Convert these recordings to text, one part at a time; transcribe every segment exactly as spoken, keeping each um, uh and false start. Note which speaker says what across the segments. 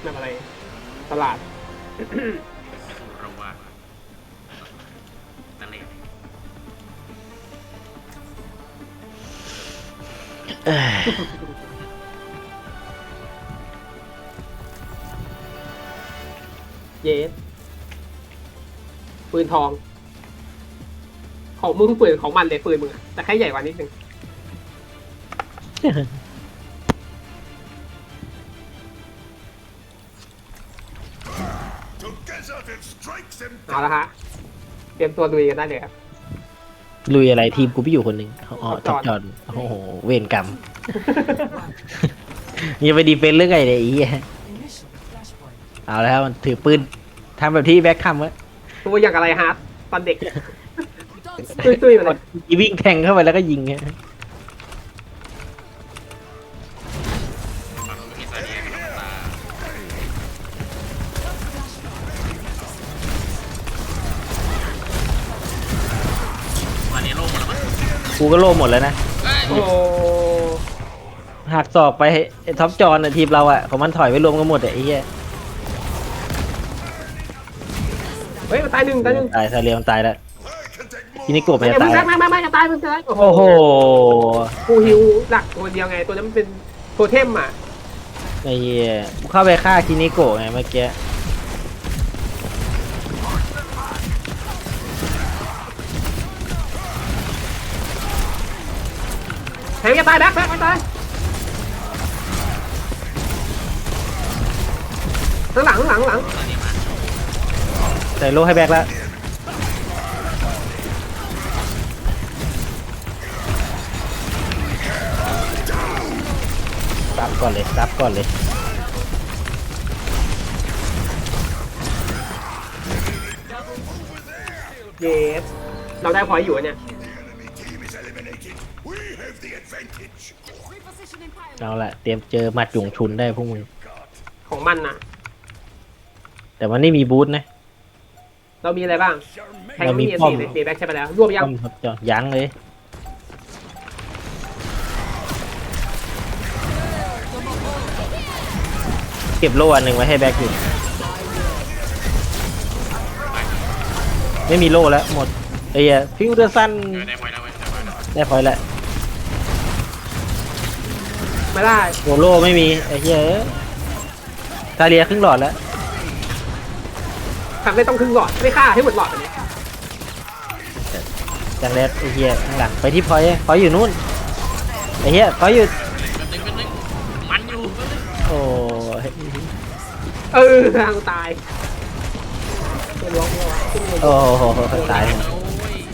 Speaker 1: แบบอะไรตลาด
Speaker 2: เราว่าตะเลด
Speaker 1: เยสปืนทอง ของมึงปืนของมันเลยปืนมึงอะแต่แค่ใหญ่กว่านิดนึง เอาละฮะ เตรียมตัวลุยกันได้เลยครับ
Speaker 3: ลุยอะไรทีมกูพี่อยู่คนหนึ่งอ๋อ
Speaker 1: ท็
Speaker 3: ท็
Speaker 1: อ
Speaker 3: อ
Speaker 1: ป
Speaker 3: ป
Speaker 1: จ
Speaker 3: จ
Speaker 1: อ
Speaker 3: อ
Speaker 1: ด
Speaker 3: ดโอ้โหเวรกรรมยังไปดีเฟนต์เรื่องไงเนี่ยไอ้เหี้ยเอาแล้วมันถือปืนทำแบบที่แบ็คคัมไว้
Speaker 1: ตัวอย่างอะไรฮาร์ดตอนเด็ก ตุ้ยๆมาเลย
Speaker 3: วิ่งแทงเข้าไปแล้วก็ยิงไง
Speaker 2: ฝั่งนู้นมีซาเดียกับตาวันนี้โล่งหมดแล้วมั้ง
Speaker 3: กูก็โล่หมดแล้วนะ
Speaker 1: โอ้
Speaker 3: หักศอกไปไอ้ท็อปจอน่ะทีมเราอ่ะของมันถอยไปรวมกันหมดอะไอ้เหี้ย
Speaker 1: เฮ้ยมันตายหนึ่งตายหนึ่ง
Speaker 3: ตายซาเรียมันตายแล้วทีนี้กบมัน
Speaker 1: ไม่
Speaker 3: จะ
Speaker 1: ไม่
Speaker 3: ตาย
Speaker 1: ไม่ไม่ไม่จะตายมึงจะตาย
Speaker 3: โอ้โห
Speaker 1: กูฮิวหลักตัวเดียวไง ตัวนั้นมันเป็นโทเทมอ่ะ
Speaker 3: ไอ้เหี้ยกูเข้าไปฆ่าคินิโกะไงเมื่อกี้
Speaker 1: แทงจะตายแบ็คแบ็คไม่ตายข้างหลังข้างหลังข้างหลัง
Speaker 2: ตอนนี้มา
Speaker 3: ใส่โล่ให้แบ็คแล้วซับก่อนเลยซับก่อนเลย
Speaker 1: เยสเราได้พอยต์อยู่อะเนี่ย
Speaker 3: เอาละเตรียมเจอหมัดหยงชุนได้พวกมึง
Speaker 1: ของมันน่ะ
Speaker 3: แต่มันไม่มีบูทนะ
Speaker 1: เรามีอะไรบ้างแทง
Speaker 3: เรามี
Speaker 1: ไม่มี
Speaker 3: ป้อม
Speaker 1: สีเลยสีแบ็คใช่ไปแล้วรวบยัง
Speaker 3: ต้อมครับจอยังเลย เก็บโล่อันหนึ่งไว้ให้แบ็คอยู่ ไม่มีโล่แล้วหมดไอ้เหี้ยฟิวเดอร์ซัน
Speaker 2: เออได้ไว้แล้วเว้ยได้ไว้แล้ว
Speaker 3: ได้พอยต์แล้ว
Speaker 1: ไม่ได้
Speaker 3: โอโล่ไม่มีไอ้เหี้ยเอ้ยซาเลียครึ่งหลอดแล้ว
Speaker 1: ทำได้ต้องครึ่งหลอดไม่ฆ่าให้หมดหลอดไปเนี่ย
Speaker 3: จังแรดไอ้เหี้ยข้างหลังไปที่พอยต์พอยต์อยู่นู่นไอ้เหี้ยพอยต์อยู่
Speaker 2: เป็นตึงเป็นตึงมันอยู่เป็นตึง
Speaker 3: โอ้ย
Speaker 1: เออทางตายตัวล้วงตัวขึ้นเลย
Speaker 3: โอ้โหตายหมด
Speaker 2: โอ้ย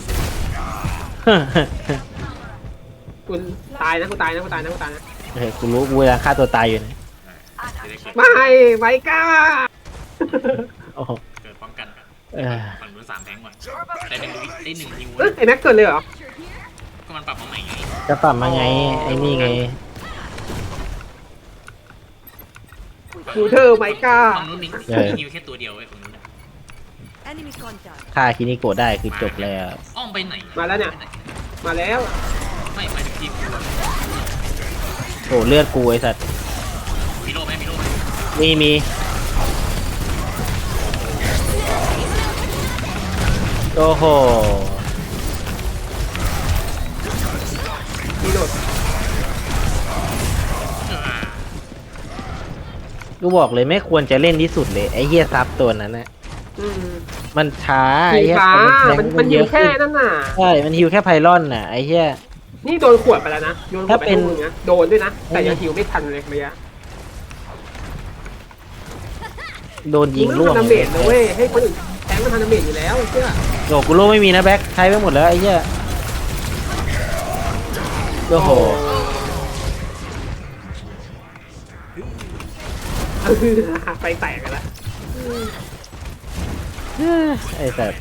Speaker 1: คุณตายนะคุณตายนะคุณตายนะคุณตายนะ
Speaker 3: เฮ้ยกูรู้กูเวลาฆ่าตัวตายอยู่นะ
Speaker 2: จะได้เกิด
Speaker 1: ไม่ไว้กล้า
Speaker 3: โอ้โห
Speaker 2: เกิดป้องกัน
Speaker 3: เออ
Speaker 2: ฝั่งนู้นสามแทงก่อนได้หนึ่งได้หนึ่งฮิว
Speaker 1: เอ้ยไอ้แม็กเกิดเลยเหรอ
Speaker 2: ก็มันปรับมาใหม่ไง
Speaker 3: จะปรับมาไงไอ้นี่ไง
Speaker 1: ดูเธอไว้กล้า
Speaker 2: ฝั่งนู้นมีฮิวแค่ตัวเดียวไอ้ฝั่งนู้น
Speaker 4: Enemy contact.
Speaker 3: ฆ่าคินิโกะได้คือจบแล้ว
Speaker 2: อ้อมไปไหน
Speaker 1: มาแล้วเนี่ย มาแล้ว
Speaker 2: ไม่ไปถึงทีม
Speaker 3: โอ้เลือดกูไอ้สัตว์
Speaker 2: มีโล่ไหมมีโล่ไหม
Speaker 3: มีมีโอ้โห
Speaker 1: มีโดด
Speaker 3: กูบอกเลยไม่ควรจะเล่นที่สุดเลยไอ้เฮียซับตัวนั้นนะ
Speaker 1: อืม
Speaker 3: มันช้า
Speaker 1: สี
Speaker 3: ไอ้เฮีย
Speaker 1: ฟ้า
Speaker 3: แทง
Speaker 1: มันมันอยู่แค่
Speaker 3: ขึ้น
Speaker 1: นั่นน่ะ
Speaker 3: ใช่มันฮิวแค่ไพลอนน่ะไอ้เฮีย
Speaker 1: นี่โดนขวดไปแล้วนะโดนขวดไป
Speaker 3: ถ้าเป็น
Speaker 1: ลูกนึงนะโดนด้วยนะ แต่ยังฮิวไม่ทันเลยเมื่อกี้
Speaker 3: โดนยิง
Speaker 1: มึ
Speaker 3: ล่วง
Speaker 1: ทำดาเมจนะเว้ย ให้คนอื่นแทงมันทำดาเมจอยู่แล้วเชื่อ
Speaker 3: โอ้กูโล่ไม่มีนะแบ็คใช้ไปหมดแล้วไอ้เฮียโอ้โห
Speaker 1: เออไปแตกกันละ
Speaker 3: ไอ้สัตว์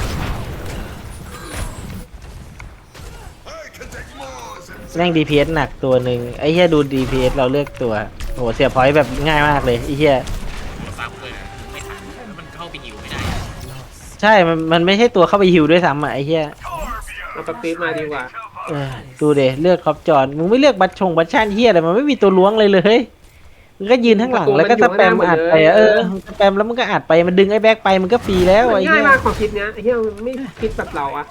Speaker 3: แม่ง ดี พี เอส หนักตัวหนึ่งไอ้เหี้ยดู ดี พี เอส เราเลือกตัวโหเสียพอยต์แบบง่ายมากเลยไอ้เหี้ย
Speaker 2: ซ้ำเลยไม่ทันแล้วมันเข้าไปฮิวไม่ได้
Speaker 3: ใช่มันมันไม่ใช่ตัวเข้าไปฮิวด้วยซ้ำอ่ะไอ้เหี้ย
Speaker 1: เอาปตีมาดีกว่า
Speaker 3: เออดูเดเลือกครอบจอนมึงไม่เลือกบัตชงบัตชันเหี้ยอะไรมันไม่มีตัวล้วงเลยเลยมึงก็ยืนข้างหลังแล้วก็สแปมอัดไปอะเออสแปมแล้วมึงก็อัดไปมันดึงไอ้แบ็คไปมันก็ฟรีแล้ว
Speaker 1: มัน
Speaker 3: ไอ้
Speaker 1: ง่า
Speaker 3: เหี้
Speaker 1: ย
Speaker 3: ย
Speaker 1: มากของคิดเนี้ยไอ้เหี้ยมันไม่คิดแบบเราอะ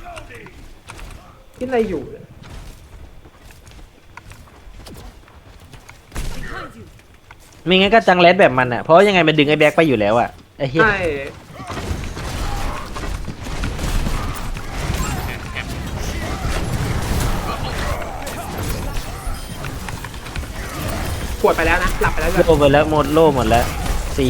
Speaker 1: คิดอะไรอยู่เนี่ย
Speaker 3: ไม่งั้นก็จังเลสแบบมันอ่ะเพราะยังไงมันดึงไอ้แบ็คไปอยู่แล้วอ่ะไอ้เหี้ย
Speaker 1: ใช่ปวดไปแล้วนะหลับไปแล้วด้วย
Speaker 3: โล่ไปแล้วหมดโล่หมดแล้วสี่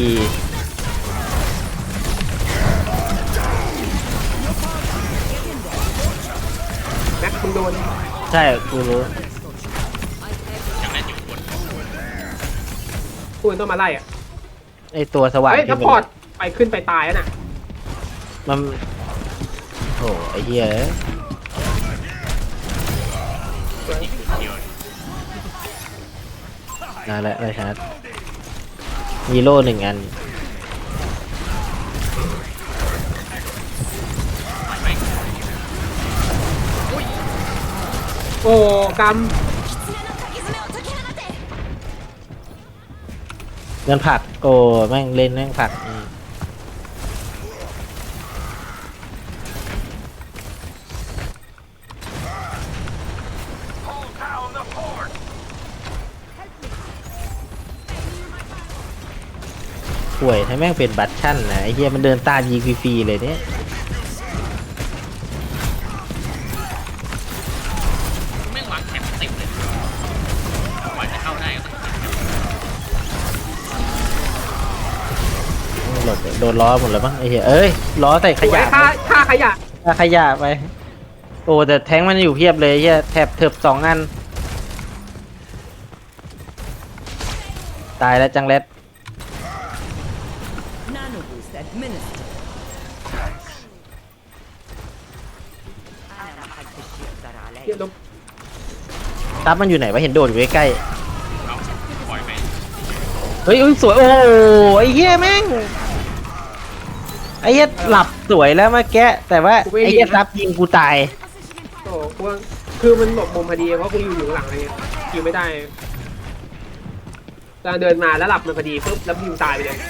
Speaker 1: แม็กมึงโดน
Speaker 3: ใช่กูรู้
Speaker 2: ยังเล่นอยู่บน
Speaker 1: กูต้องมาไล่อะ
Speaker 3: ไอ้ตัวสว่าง
Speaker 1: เฮ้ย
Speaker 3: ที่
Speaker 1: ถ้า
Speaker 3: มัน
Speaker 1: พอร์ตไปขึ้นไปตายแล้วน่ะ
Speaker 3: มันโอ้ไอ้เหี้ย
Speaker 2: เดียว
Speaker 3: นั่นแหละไรชาร์จมีโล่หนึ่งอัน
Speaker 1: โอ้ก
Speaker 3: เงินผักโอ้แม่งเล่นแม่งผักอืมป่วยถ้าแม่งเป็นบัตชั่นนะไอ้เหี้ยมันเดินตามยิงฟรีๆเลยเนี่ย
Speaker 2: แม่งวางแคมเต็มเลยกว่าจะเข้าได้ก็ต้อง
Speaker 3: หลดโดนล้อหมดแล้วมั้งไอ้เหี้ยเอ้ยล้อใส่
Speaker 1: ำ
Speaker 3: ขยะ
Speaker 1: ค่าค่าขยะ
Speaker 3: ค่าขยะไปโอ้แต่แท้งมันอยู่เพียบเลยไอ้เหี้ยแถบเถิบสองอันตายแล้วจังเล็ด
Speaker 4: Nano boost administered.
Speaker 1: เหี้ยลบ
Speaker 3: ซับมันอยู่ไหนวะเห็นโดดอยู่ใกล้
Speaker 2: เอาปล่อยไป
Speaker 3: ๆเฮ้ยอุ้ยสวยโอ้ไอ้เหี้ยแม่งไอ้เหี้ยหลับสวยแล้วเมื่อกี้แต่ว่าไอ้เหี้ยซับยิงกูตาย
Speaker 1: โอ้กูว่าคือมันหลบมุมพอดีเพราะกูอยู่อยู่หลังอะไรเงี้ยยิงไม่ได้ตอนเดินมาแล้วหลับมันพอดีปุ๊บแล้วยิงตายไปเลย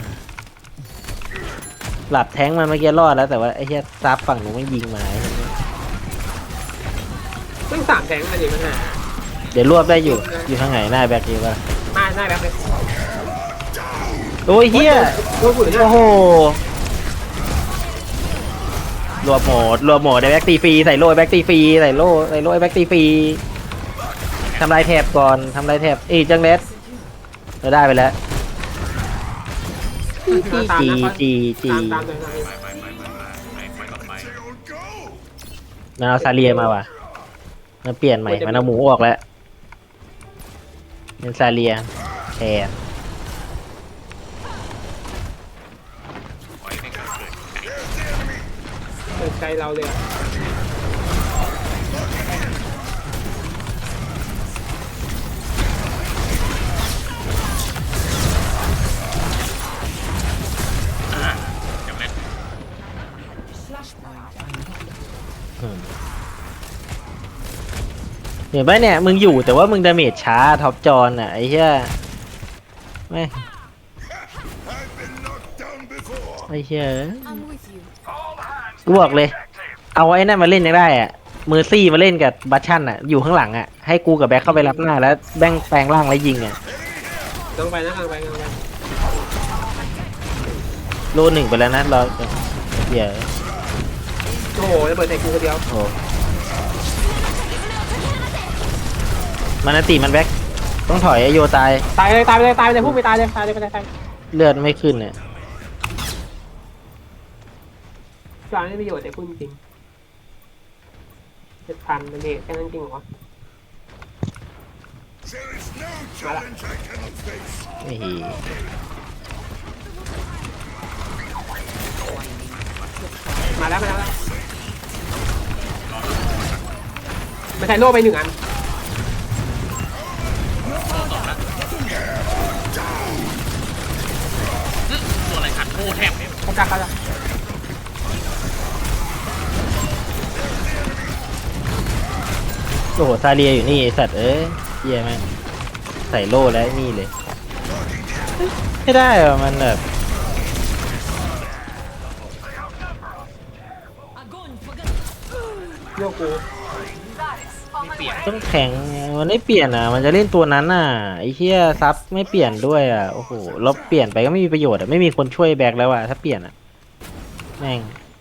Speaker 3: หลับแท้งมันเมื่อกี้รอดแล้วแต่ว่าไอ้เหี้ยซับฝั่งหนูไม่ยิงมาไอ้เหี้ย
Speaker 1: ต้องสามแทงกันดิมันหา
Speaker 3: เดี๋ยวรวบได้อยู่อยู่ทางไหนหน้าแบ็คอยู่ป่ะ
Speaker 1: หน้าหน้าแบบเลย
Speaker 3: โอ้ยเหี้ย
Speaker 1: โอ้โหเนี่ย
Speaker 3: โอ้โหรวบโหมดรวบโหมดได้แบ็กตีฟรีใส่โล่แบ็กตีฟรีใส่โล่ใส่โล่แบ็กตีฟรีทำลายแถบก่อนทำลายแถบเอ้ยจังเลสเราได้ไปแล้วจีจีจีจี
Speaker 1: ตามตามเลยตามเลย
Speaker 2: ไปไปไปไปไปไปต่อไป
Speaker 3: มันเอาซาเลียมาว่ะมันเปลี่ยนใหม่มันเอาหมูออกแล้วเป็นซาเลียแทน
Speaker 2: ปล่อยให้การเกิดไก่
Speaker 1: เปิดใจเราเลยอะ
Speaker 2: อ่ายังเล่น
Speaker 3: อืมเห็นไหมเนี่ยมึงอยู่แต่ว่ามึงดาเมจช้าท็อปจอนอ่ะไอ้เหี้ยไม่ไอ้เหี้ย
Speaker 4: I'm with you.
Speaker 3: กูบอกเลย เอาไอ้นั่นมาเล่นยังได้อ่ะเมอร์ซี่มาเล่นกับบัชชั่นอ่ะอยู่ข้างหลังอ่ะให้กูกับแบ็คเข้าไปรับหน้าแล้วแบ่งแปลงร่างแล้วยิงอ่ะ
Speaker 1: ลงไปนะลงไปลงไป
Speaker 3: โลหนึ่งไปแล้วนะรอเดี๋ยว
Speaker 1: โอ้โหระเบิดใส่กูคนเดียว
Speaker 3: โอ้มันนนติมันแบ็คต้องถอยไอโยตาย
Speaker 1: ตายเลยตายไปเลยตายไปเลยพุ่งไปตายเลยตายเลยไปเลยตาย
Speaker 3: เลือดไม่ขึ้นเนี่ย
Speaker 1: กลางไม่ประโยชน์แต่พูดจริงเจ็ดพันมันเด็กแค่นั้นจริงเหรอ
Speaker 3: ไม่ฮี
Speaker 1: มาแล้วมาแล้วมาใช้โล่ไปหนึ่งอัน
Speaker 2: ตัวอะไรขัดโอ้แทบเนี่ย
Speaker 1: เขาจักเขาจัก
Speaker 3: โอ้โหซาเลียอยู่นี่ไอสัตว์เอ้ยเหี้ยแม่งใส่โล่แล้วนี่เลยไม่ได้เหรอมันแบบ
Speaker 1: โยกกู
Speaker 2: ไม่เปลี่ยน
Speaker 3: ต้องแข็งมันไม่เปลี่ยนอ่ะมันจะเล่นตัวนั้นอ่ะไอ้เหี้ยซับไม่เปลี่ยนด้วยอ่ะโอ้โหเราเปลี่ยนไปก็ไม่มีประโยชน์อ่ะไม่มีคนช่วยแบกแล้วอ่ะถ้าเปลี่ยนอ่ะแม่ง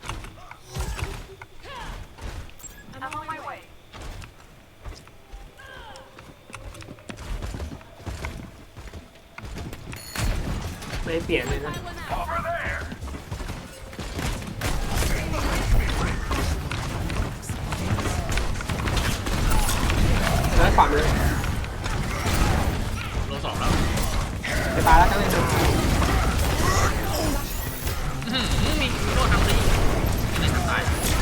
Speaker 1: ไม่เปลี่ยนเลยนะแล้วขวามือ
Speaker 2: โลสองแล้ว
Speaker 1: ไปตายแล้วก็เลยดู
Speaker 2: อื้อหือมีโลทำดีไม่ได้ทำตาย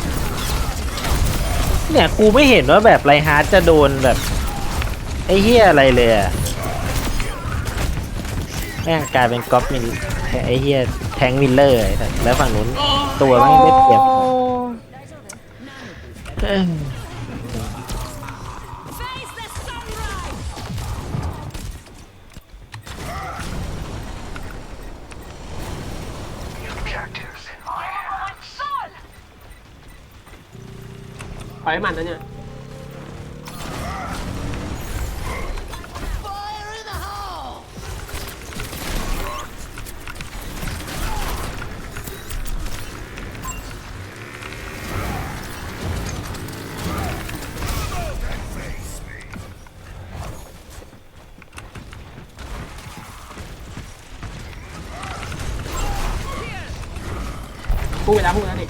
Speaker 3: เนี่ยกูไม่เห็นว่าแบบไรฮาร์ดจะโดนแบบไอ้เหี้ยอะไรเลยอ่ะแม่งกลายเป็นก๊อปมิลไอ้เหี้ยแทงมิลเลอร์ไอ้สัสแล้วฝั่งนู้นตัวไม่ได้เปรียบเอ้ย
Speaker 4: Face the sunrise.
Speaker 1: ปล่อยให้มันนะเนี่ย พูดไปแล้วพูดแล้วดิ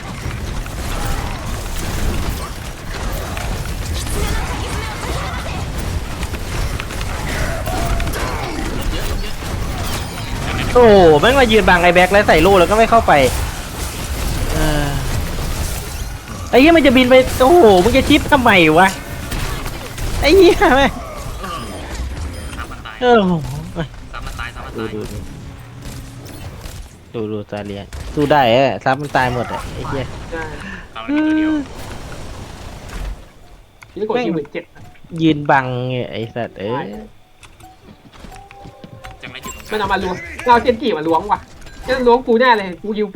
Speaker 3: โอ้โหแม่งมายืนบังไอ้แบ็คแล้วใส่ลูกแล้วก็ไม่เข้าไปเออไอ้เหี้ยมันจะบินไปโอ้โหมึงจะชิปทำไมวะไอ้เหี้ยแม่ง
Speaker 2: สามมันตาย
Speaker 3: เออ
Speaker 2: สามมันตายสามมัน
Speaker 3: ดู
Speaker 2: ตาย
Speaker 3: ดูดูดูดูซาเลียนสู้ได้เออซับมันตายหมดอะไอ้เหี้ย
Speaker 1: ใช่
Speaker 2: สามมันมีตัวเดียว
Speaker 1: นี่กดยี่หมื่นเจ็ด
Speaker 3: ยืนบังเนี่ยไอ้สัตว์เอ้ย
Speaker 2: จังไรจุดตรงก
Speaker 1: ไม่
Speaker 2: ลาง
Speaker 1: เอามาล้วงเราเจนกี่มาล้วงว่ะจะล้วงกูแน่เลยกูยิวปี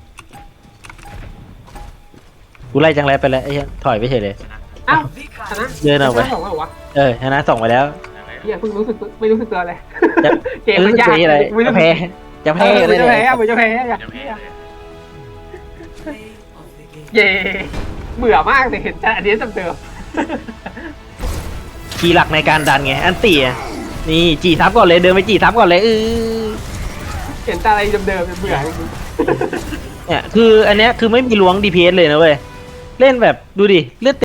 Speaker 3: กูไล่จังไรไปแล้วไอ้เหี้ยถอยไปเฉยเลย
Speaker 2: ชนะ
Speaker 1: อ้าวชนะ
Speaker 3: เดินออกไป
Speaker 1: ชะสองแล้วเหรอวะ
Speaker 3: เออชนะส่งไปแล้ว
Speaker 2: ชนะไป
Speaker 1: เฮียเพิ่งรู้สึกไม่รู้สึกตัวเลย
Speaker 3: จะ
Speaker 1: เกมมันยาก
Speaker 3: เอออะไร
Speaker 1: ไม่
Speaker 3: จะ
Speaker 1: รู้
Speaker 3: แพ้จะ
Speaker 1: เอ
Speaker 3: แพ้
Speaker 1: อ
Speaker 3: เล
Speaker 1: มัน
Speaker 3: ย
Speaker 1: จะ
Speaker 3: เนี่ย
Speaker 1: แพ้มันจะแพ้อยาก
Speaker 2: เดี๋ยวแพ้เลย
Speaker 1: เย่เบื่อมากเลยเห็นแต่อันนี้จำเดิม
Speaker 3: คีย์หลักในการดันไงอันตีอะนี่จีทับก่อนเลยเดินไปจีทับก่อนเลยเออ
Speaker 1: เห็นแต่อะไรเดิมๆเบื่อจริง
Speaker 3: เนี่ยคืออันเนี้ยคือไม่มีล้วง ดี พี เอส เลยนะเว้ยเล่นแบบดูดิเลือด